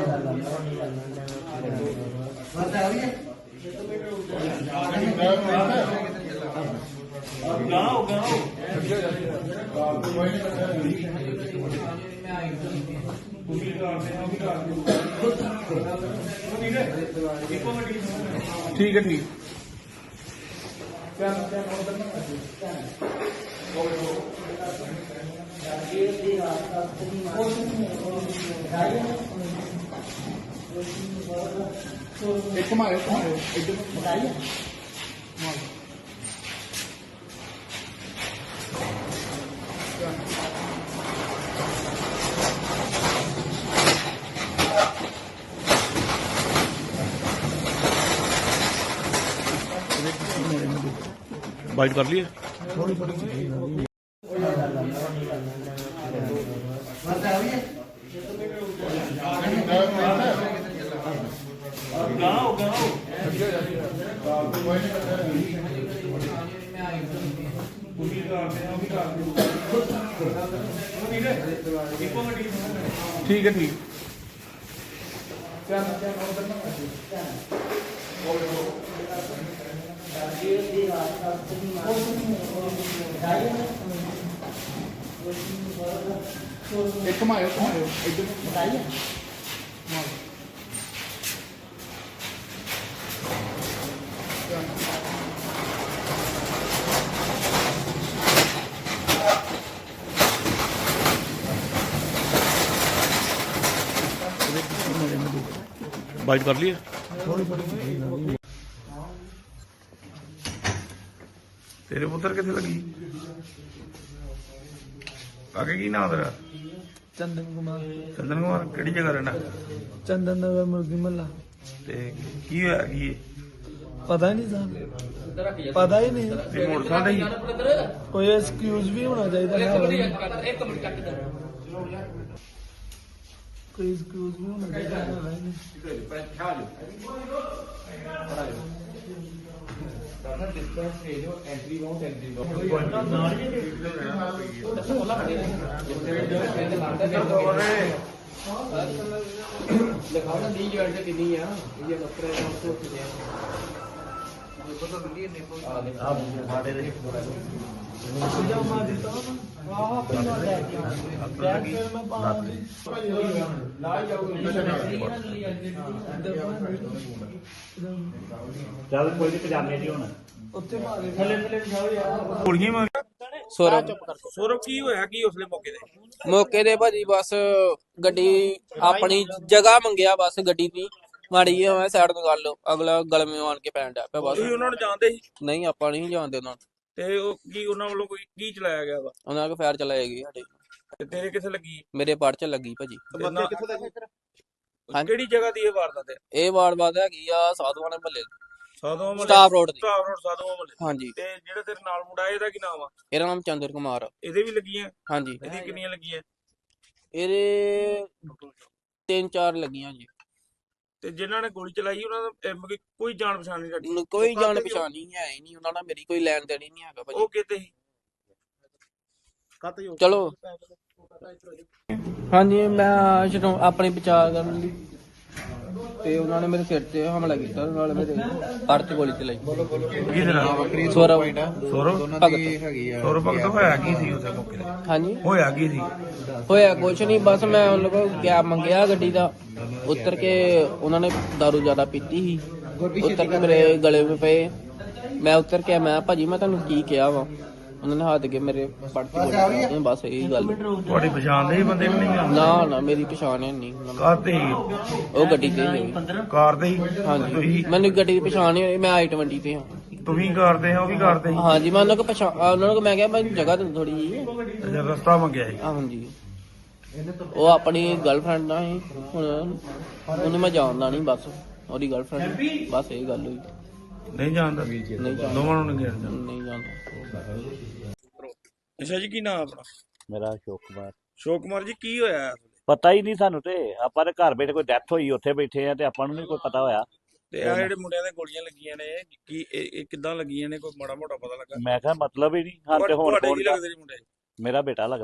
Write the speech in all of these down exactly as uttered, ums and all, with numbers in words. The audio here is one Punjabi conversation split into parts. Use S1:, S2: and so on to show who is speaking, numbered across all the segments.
S1: ठीक है ठीक एक मारे बताइए बाइट कर लिए ठीक है ठीक एक मारे बताइए बाइट कर लिए तेरे पुत्र कितने लगी आगे की नाम तेरा
S2: चंदन कुमार
S1: चंदन कुमार केड़ी जगह रहना
S2: चंदन नगर मुर्गी महला
S1: ते की होया की
S2: पता ही नहीं साहब पता ही नहीं
S1: ते मोटरसाइकिल ही
S2: कोई एक्सक्यूज भी होना चाहिए कोई एक्सक्यूज भी होना चाहिए
S3: चल कोई पजामे नहीं होना
S4: ਸੌਰਵ
S1: ਸੌਰਵ ਕੀ ਹੋਇਆ ਕੀ ਉਸਲੇ ਮੌਕੇ ਤੇ
S4: ਮੌਕੇ ਦੇ ਭਾਜੀ ਬਸ ਗੱਡੀ ਆਪਣੀ ਜਗ੍ਹਾ ਮੰਗਿਆ ਬਸ ਗੱਡੀ ਦੀ ਮਾੜੀ ਜਿਹੀ ਮੈਂ ਸਾਈਡ ਤੋਂ ਕਰ ਲਓ ਅਗਲਾ ਗਲਮੇ ਆਣ ਕੇ ਪੈਣ ਡਿਆ ਪਿਆ ਬਸ
S1: ਤੁਸੀਂ ਉਹਨਾਂ ਨੂੰ ਜਾਣਦੇ ਸੀ
S4: ਨਹੀਂ ਆਪਾਂ ਨਹੀਂ ਜਾਣਦੇ ਉਹਨਾਂ ਨੂੰ
S1: ਤੇ ਉਹ ਕੀ ਉਹਨਾਂ ਵੱਲੋਂ ਕੋਈ ਕੀ ਚਲਾਇਆ ਗਿਆ ਵਾ
S4: ਉਹਨਾਂ ਕੋ ਫਾਇਰ ਚਲਾਏਗੀ ਸਾਡੇ
S1: ਤੇ ਤੇਰੇ ਕਿੱਥੇ ਲੱਗੀ
S4: ਮੇਰੇ ਪੜ ਚ ਲੱਗੀ ਭਾਜੀ ਹਾਂਜੀ।
S1: ਕਿਹੜੀ ਜਗ੍ਹਾ ਦੀ ਇਹ ਵਾਰਦਾਤ ਹੈ
S4: ਇਹ ਵਾਰ-ਵਾਰ ਹੈਗੀ ਆ ਸਾਧੂਆਂ ਦੇ ਮਹੱਲੇ
S1: ਸਾਧੂਆਂ ਮਹੱਲੇ
S4: ਸਟਾਫ ਰੋਡ ਦੀ
S1: ਸਟਾਫ ਰੋਡ ਸਾਧੂਆਂ ਮਹੱਲੇ
S4: ਹਾਂਜੀ
S1: ਤੇ ਜਿਹੜਾ ਤੇਰੇ ਨਾਲ ਮੁੰਡਾ ਇਹਦਾ ਕੀ ਨਾਮ ਆ
S4: ਇਹਦਾ ਨਾਮ ਚੰਦਰ ਕੁਮਾਰ ਆ।
S1: ਇਹਦੇ ਵੀ ਲੱਗੀਆਂ
S4: ਹਾਂਜੀ
S1: ਇਹਦੀ ਕਿੰਨੀਆਂ ਲੱਗੀਆਂ
S4: ਇਹਦੇ ਤਿੰਨ ਚਾਰ ਲੱਗੀਆਂ ਜੀ
S1: ਤੇ ਜਿਨ੍ਹਾਂ ਨੇ ਗੋਲੀ ਚਲਾਈ ਉਹਨਾਂ ਦਾ ਅਹ, ਮਤਲਬ ਕੋਈ ਜਾਣ ਪਛਾਣ ਨਹੀਂ ਸਾਡੀ
S4: ਮੈਨੂੰ ਕੋਈ ਜਾਣ ਪਛਾਣ ਨਹੀਂ ਹੈ ਹੀ ਨਹੀਂ ਉਹਨਾਂ ਨਾਲ ਮੇਰੀ ਕੋਈ ਲੈਣ ਦੇਣ ਹੀ ਨਹੀਂ ਹੈਗਾ ਭਾਜੀ
S1: ਉਹ ਕਿਤੇ ਸੀ
S4: ਚਲੋ ਹਾਂਜੀ ਮੈਂ ਜਦੋਂ ਆਪਣੀ ਬਚਾਅ ਕਰਨ ਲਈ ਤੇ ਉਹਨਾਂ ਨੇ ਮੇਰੇ ਸਿਰ ਤੇ ਹਮਲਾ ਕੀਤਾ ਨਾਲ ਮੇਰੇ ਪੜ ਚ ਗੋਲੀ ਚਲਾਈ
S1: ਕਿਹਦੇ ਨਾਲ
S4: ਸੌਰਵ
S1: ਸੌਰਵ
S4: ਭਗਤ
S1: ਸੌਰਵ ਭਗਤ ਹੋਇਆ ਕੀ ਸੀ ਉਸੇ ਮੌਕੇ ਤੇ
S4: ਹਾਂਜੀ
S1: ਹੋਇਆ ਕੀ ਸੀ
S4: ਹੋਇਆ ਕੁਛ ਨਹੀਂ ਬਸ ਮੈਂ ਉਹਨਾਂ ਕੋਲ ਕੈਬ ਮੰਗਿਆ ਗੱਡੀ ਦਾ ਉਤਰ ਕੇ ਉਹਨਾਂ ਨੇ ਦਾਰੂ ਜ਼ਿਆਦਾ ਪੀਤੀ ਸੀ ਉਤਰ ਕੇ ਮੇਰੇ ਗਲੇ ਵਿੱਚ ਪਏ ਮੈਂ ਉਤਰ ਕੇ ਮੈਂ ਭਾਜੀ ਮੈਂ ਤੁਹਾਨੂੰ ਕੀ ਕਿਹਾ ਵਾ ਉਹਨਾਂ ਨੇ ਹੱਥ ਕੇ ਮੇਰੇ ਪੜ ਤੇ ਬਸ ਇਹੀ ਗੱਲ
S1: ਤੁਹਾਡੀ ਪਛਾਣ ਦੇ ਹੀ ਬੰਦੇ ਵੀ ਨਹੀਂ
S4: ਨਾ ਨਾ ਮੇਰੀ ਪਛਾਣ ਹੈ ਨਹੀਂ
S1: ਕਾਰ ਤੇ
S4: ਉਹ ਗੱਡੀ ਤੇ ਸੀ।
S1: ਕਾਰ ਤੇ ਹੀ
S4: ਹਾਂਜੀ ਮੈਨੂੰ ਗੱਡੀ ਦੀ ਪਛਾਣ ਨਹੀਂ ਹੋਈ ਮੈਂ ਆਈ ਟਵੰਟੀ ਤੇ ਹਾਂ
S1: ਤੁਸੀਂ ਕਰਦੇ ਹੋ ਉਹ ਵੀ ਕਰਦੇ ਸੀ
S4: ਹਾਂਜੀ ਮੈਂ ਉਹਨਾਂ ਕੋ ਪਛਾਣ ਉਹਨਾਂ ਨੂੰ ਮੈਂ ਕਿਹਾ ਮੈਂ ਜਗ੍ਹਾ ਤੇ ਥੋੜੀ ਜੀ
S1: ਅੱਛਾ ਰਸਤਾ ਮੰਗਿਆ ਸੀ
S4: ਹਾਂਜੀ ਉਹ ਆਪਣੀ ਗਰਲਫ੍ਰੈਂਡ ਨਾਲ ਸੀ ਹੁਣ ਉਹਨੂੰ ਮੈਂ ਜਾਣਦਾ ਨਹੀਂ ਬਸ ਉਹਦੀ ਗਰਲਫ੍ਰੈਂਡ ਬਸ ਇਹ ਗੱਲ ਹੋਈ
S1: ਨਹੀਂ ਜਾਣਦਾ
S4: ਨਹੀਂ ਜਾਣਦਾ
S1: ਦੋਵਾਂ ਨੂੰ ਨਹੀਂ ਜਾਣਦਾ
S4: ਨਹੀਂ ਜਾਣਦਾ
S1: ਅੱਛਾ ਜੀ ਕੀ ਨਾਮ ਆਪਣਾ
S3: मेरा अशोक कुमार
S1: ਸ਼ੋਕ ਕੁਮਾਰ ਜੀ ਕੀ ਹੋਇਆ
S3: ਪਤਾ ਹੀ ਨਹੀਂ ਸਾਨੂੰ ਤੇ ਆਪਾਂ ਦੇ ਘਰ ਬੈਠੇ ਕੋਈ ਡੈਥ ਹੋਈ ਉੱਥੇ ਬੈਠੇ ਆ ਤੇ ਆਪਾਂ ਨੂੰ ਨਹੀਂ ਕੋਈ ਪਤਾ ਹੋਇਆ
S1: ਤੇ ਆ ਜਿਹੜੇ ਮੁੰਡਿਆਂ ਦੇ ਗੋਲੀਆਂ ਲੱਗੀਆਂ ਨੇ ਕੀ ਇਹ ਇਹ ਕਿੱਦਾਂ ਲੱਗੀਆਂ ਨੇ ਕੋਈ ਮਾੜਾ ਮੋਟਾ ਪਤਾ ਲੱਗਾ
S3: ਮੈਂ ਕਿਹਾ ਮਤਲਬ ਹੀ ਨਹੀਂ ਹਾਂ ਤੇ ਹੁਣ
S1: ਤੁਹਾਡੇ
S3: ਕੌਣ
S1: ਕੀ ਲੱਗਦੇ ਜੀ ਮੁੰਡੇ
S3: ਮੇਰਾ ਬੇਟਾ ਲੱਗਦਾ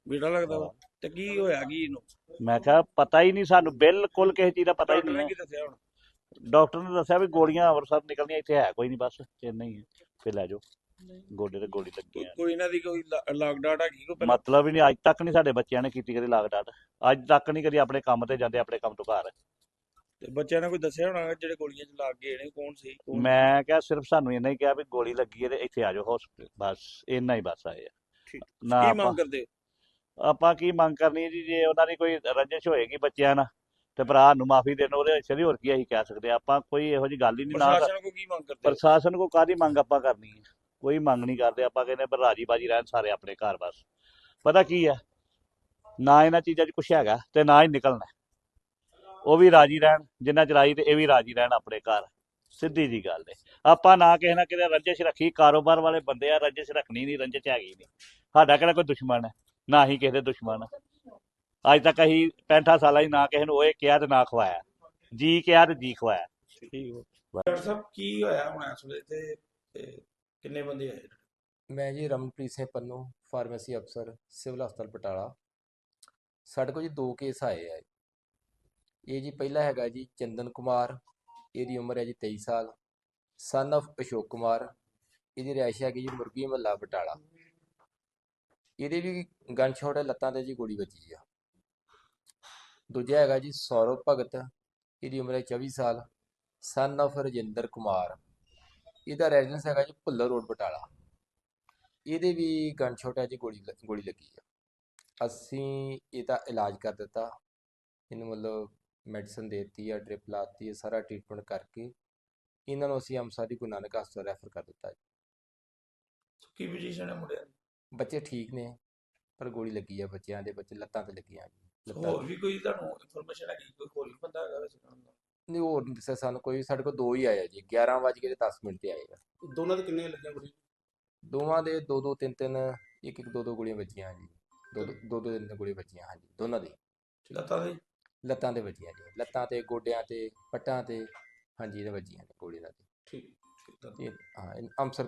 S1: ਬੇਟਾ ਲੱਗਦਾ ਵਾ ਤੇ ਕੀ ਹੋਇਆ ਕੀ ਇਹਨੂੰ?
S3: ਮੈਂ ਕਿਹਾ ਪਤਾ ਹੀ ਨਹੀਂ ਸਾਨੂੰ, ਬਿਲਕੁਲ ਕਿਸੇ ਚੀਜ਼ ਦਾ ਪਤਾ ਹੀ
S1: ਡਾਕਟਰ
S3: ਨਹੀਂ
S1: ਨੇ
S3: ਹੈ।
S1: ਕੀ ਦੱਸਿਆ ਹੁਣ?
S3: ਡਾਕਟਰ ਨੇ ਦੱਸਿਆ ਵੀ ਗੋਲੀਆਂ ਅੰਮ੍ਰਿਤਸਰ ਨਿਕਲਣੀਆਂ, ਇੱਥੇ ਹੈ ਕੋਈ ਨਹੀਂ, ਬਸ ਇੰਨਾ ਹੀ ਹੈ, ਫਿਰ ਲੈ ਜਾਓ, ਗੋਡੇ ਤੇ ਗੋਲੀ ਲੱਗੀ
S1: ਕੋਈ
S3: ਆ।
S1: ਕੋਈ ਇਹਨਾਂ ਦੀ ਕੋਈ ਲਾਗ ਡਾਟ ਹੈਗੀ ਕੋਈ ਪਹਿਲਾਂ?
S3: ਮਤਲਬ ਹੀ ਨਹੀਂ, ਅੱਜ ਤੱਕ ਨਹੀਂ ਸਾਡੇ ਬੱਚਿਆਂ ਨੇ ਕੀਤੀ ਕਦੀ ਲਾਗ ਡਾਟ, ਅੱਜ ਤੱਕ ਨਹੀਂ ਕਦੀ ਆਪਣੇ ਕੰਮ ਤੇ ਜਾਂਦੇ, ਆਪਣੇ ਕੰਮ ਤੋਂ ਘਰ।
S1: ਤੇ ਬੱਚਿਆਂ ਨੇ ਕੋਈ ਦੱਸਿਆ ਹੋਣਾ ਜਿਹੜੇ ਗੋਲੀਆਂ ਚ ਲੱਗ ਗਏ ਨੇ ਕੌਣ ਸੀ ਕੌਣ?
S3: ਮੈਂ ਕਿਹਾ ਸਿਰਫ ਸਾਨੂੰ ਇੰਨਾ ਹੀ ਕਿਹਾ ਵੀ ਗੋਲੀ ਲੱਗੀ ਹੈ ਤੇ ਇੱਥੇ ਆ ਜਾਓ ਹਸਪੀਟਲ, ਬਸ ਇੰਨਾ ਹੀ ਬਸ ਆਏ ਆ।
S1: ਠੀਕ।
S3: ਨਾ
S1: ਕੀ
S3: ਆਪਾਂ
S1: ਮੰਗ ਕਰਦੇ?
S3: ਆਪਾਂ ਕੀ ਮੰਗ ਕਰਨੀ ਹੈ ਜੀ, ਜੇ ਉਹਨਾਂ ਦੀ ਕੋਈ ਰੰਜਿਸ਼ ਹੋਏਗੀ ਬੱਚਿਆਂ ਨਾਲ ਤੇ ਭਰਾ ਨੂੰ ਮਾਫੀ ਦੇਣ, ਉਹਦੇ ਅਛੇ ਹੋਰ ਕੀ ਅਸੀਂ ਕਹਿ ਸਕਦੇ ਹਾਂ। ਆਪਾਂ ਕੋਈ ਇਹੋ ਜਿਹੀ ਗੱਲ ਹੀ ਨਹੀਂ, ਨਾ
S1: ਪ੍ਰਸ਼ਾਸਨ ਕੋ ਕੀ ਮੰਗ ਕਰਦੇ?
S3: ਪ੍ਰਸ਼ਾਸਨ ਕੋ ਕਾਹਦੀ ਮੰਗ ਆਪਾਂ ਕਰਨੀ ਹੈ, ਕੋਈ ਮੰਗ ਨਹੀਂ ਕਰਦੇ। ਆਪਾਂ ਕਹਿੰਦੇ ਪਰ ਰਾਜੀ ਬਾਜੀ ਰਹਿਣ ਸਾਰੇ ਆਪਣੇ ਘਰ, ਬਸ। ਪਤਾ ਕੀ ਹੈ, ਨਾ ਇਹਨਾਂ ਚੀਜ਼ਾਂ 'ਚ ਕੁਛ ਹੈਗਾ ਤੇ ਨਾ ਹੀ ਨਿਕਲਣਾ, ਉਹ ਵੀ ਰਾਜੀ ਰਹਿਣ ਜਿੰਨਾ ਚਲਾਈ ਤੇ ਇਹ ਵੀ ਰਾਜੀ ਰਹਿਣ ਆਪਣੇ ਘਰ, ਸਿੱਧੀ ਜੀ ਗੱਲ ਹੈ। ਆਪਾਂ ਨਾ ਕਿਸੇ ਨਾ ਕਿਤੇ ਰੰਜਿਸ਼ ਰੱਖੀ, ਕਾਰੋਬਾਰ ਵਾਲੇ ਬੰਦੇ ਆ, ਰੰਜਿਸ਼ ਰੱਖਣੀ ਨਹੀਂ, ਰੰਜਿਸ਼ ਹੈਗੀ ਨਹੀਂ। ਸਾਡਾ ਕਿਹੜਾ ਕੋਈ ਦੁਸ਼ਮਣ ਹੈ, ਨਾ ਹੀ ਕਿਸੇ ਦੇ ਦੁਸ਼ਮਣ। ਅੱਜ ਤੱਕ ਅਸੀਂ ਪੈਂਠਾਂ ਸਾਲਾਂ ਹੀ ਨਾ ਕਿਸੇ ਨੂੰ ਉਹ ਕਿਹਾ ਤੇ ਨਾ ਖਵਾਇਆ, ਜੀ ਕਿਹਾ ਤੇ ਜੀ ਖਵਾਇਆ।
S1: ਠੀਕ ਹੋ ਡਾਕਟਰ ਸਾਹਿਬ ਕੀ ਹੋਇਆ ਹੁਣ ਇਸ ਵੇਲੇ ਤੇ ਤੇ ਕਿੰਨੇ ਬੰਦੇ ਆਏ?
S5: ਮੈਂ ਜੀ ਰਮਨਪ੍ਰੀਤ ਸਿੰਘ ਪੰਨੂ, ਫਾਰਮੇਸੀ ਅਫਸਰ, ਸਿਵਲ ਹਸਪਤਾਲ ਬਟਾਲਾ। ਸਾਡੇ ਕੋਲ ਜੀ ਦੋ ਕੇਸ ਆਏ ਆ। ਇਹ ਜੀ ਪਹਿਲਾ ਹੈਗਾ ਜੀ ਚੰਦਨ ਕੁਮਾਰ, ਇਹਦੀ ਉਮਰ ਹੈ ਜੀ ਤੇਈ ਸਾਲ, ਸਨ of ਅਸ਼ੋਕ ਕੁਮਾਰ, ਇਹਦੀ ਰਿਹਾਇਸ਼ ਹੈਗੀ ਜੀ ਮੁਰਗੀ ਮਹੱਲਾ ਬਟਾਲਾ। ਇਹਦੇ ਵੀ ਗਨ ਸ਼ਾਟ ਹੈ, ਲੱਤਾਂ ਤੇ ਜੀ ਗੋਲੀ ਵੱਜੀ ਆ। ਦੂਜਾ ਹੈਗਾ ਜੀ ਸੌਰਵ ਭਗਤ, ਇਹਦੀ ਉਮਰ ਹੈ ਚੌਵੀ ਸਾਲ, ਸਨ of ਰਜਿੰਦਰ ਕੁਮਾਰ, ਇਹਦਾ ਰੈਜ਼ੀਡੈਂਸ ਹੈਗਾ ਜੀ ਭੁੱਲਰ ਰੋਡ ਬਟਾਲਾ। ਇਹਦੇ ਵੀ ਗਨ ਸ਼ਾਟ ਹੈ ਜੀ, ਗੋਲੀ ਲ- ਗੋਲੀ ਲੱਗੀ ਆ। ਅਸੀਂ ਇਹਦਾ ਇਲਾਜ ਕਰ ਦਿੱਤਾ, ਇਹਨੂੰ ਮਤਲਬ ਮੈਡੀਸਨ ਦੇ ਦਿੱਤੀ ਆ, ਡ੍ਰਿਪ ਲਾਤੀ ਹੈ, ਸਾਰਾ ਟ੍ਰੀਟਮੈਂਟ ਕਰਕੇ ਇਹਨਾਂ ਨੂੰ ਅਸੀਂ ਅੰਮ੍ਰਿਤਸਰ ਦੀ ਗੁਰੂ ਨਾਨਕ ਹਸਪਤਾਲ ਰੈਫਰ ਕਰ ਦਿੱਤਾ ਜੀ।
S1: ਕੀ ਪੋਜੀਸ਼ਨ ਹੈ ਮੁੰਡਿਆਂ ਦੀ?
S5: ਬੱਚੇ ਠੀਕ ਨੇ, ਪਰ ਗੋਲੀ ਲੱਗੀ ਆ ਬੱਚਿਆਂ ਦੇ, ਬੱਚੇ ਲੱਤਾਂ ਤੇ ਲੱਗੀਆਂ ਜੀ, ਲੱਤਾਂ
S1: ਹੋਰ ਵੀ ਕੋਈ ਤੁਹਾਨੂੰ ਇਨਫੋਰਮੇਸ਼ਨ ਹੈਗੀ ਕੋਈ ਹੋਰ ਵੀ ਬੰਦਾ ਹੈਗਾ ਵੈਸੇ ਨਾਲ ਦਾ?
S5: ਨਹੀਂ, ਹੋਰ ਨਹੀਂ ਦੱਸਿਆ ਸਾਨੂੰ ਕੋਈ। ਸਾਡੇ ਕੋਲ ਦੋ ਹੀ ਆਏ ਆ ਜੀ, ਗਿਆਰਾਂ ਵੱਜ ਕੇ ਦਸ ਮਿੰਟ ਤੇ ਆਏ ਆ।
S6: ਦੋਨਾਂ ਦੇ ਕਿੰਨੇ ਲੱਗੀਆਂ ਗੋਲੀ?
S5: ਦੋਵਾਂ ਦੇ ਦੋ ਦੋ ਤਿੰਨ ਤਿੰਨ, ਇੱਕ ਇੱਕ ਦੋ ਦੋ ਗੋਲੀਆਂ ਵੱਜੀਆਂ ਜੀ, ਦੋ ਦੋ ਦੋ ਦੋ ਤਿੰਨ ਤਿੰਨ ਗੋਲੀਆਂ ਵੱਜੀਆਂ ਹਾਂਜੀ, ਦੋਨਾਂ ਦੀ
S1: ਲੱਤਾਂ ਦੇ?
S5: ਲੱਤਾਂ ਤੇ ਵੱਜੀਆਂ ਜੀ, ਲੱਤਾਂ ਤੇ, ਗੋਡਿਆਂ ਤੇ, ਪੱਟਾਂ ਤੇ, ਹਾਂਜੀ, ਇਹਦੇ ਵੱਜੀਆਂ ਨੇ ਗੋਲੀ ਨਾਲ।
S1: ਠੀਕ ਠੀਕ।
S5: ਇਹ ਹਾਂ, ਇਹ ਅੰਮ੍ਰਿਤਸਰ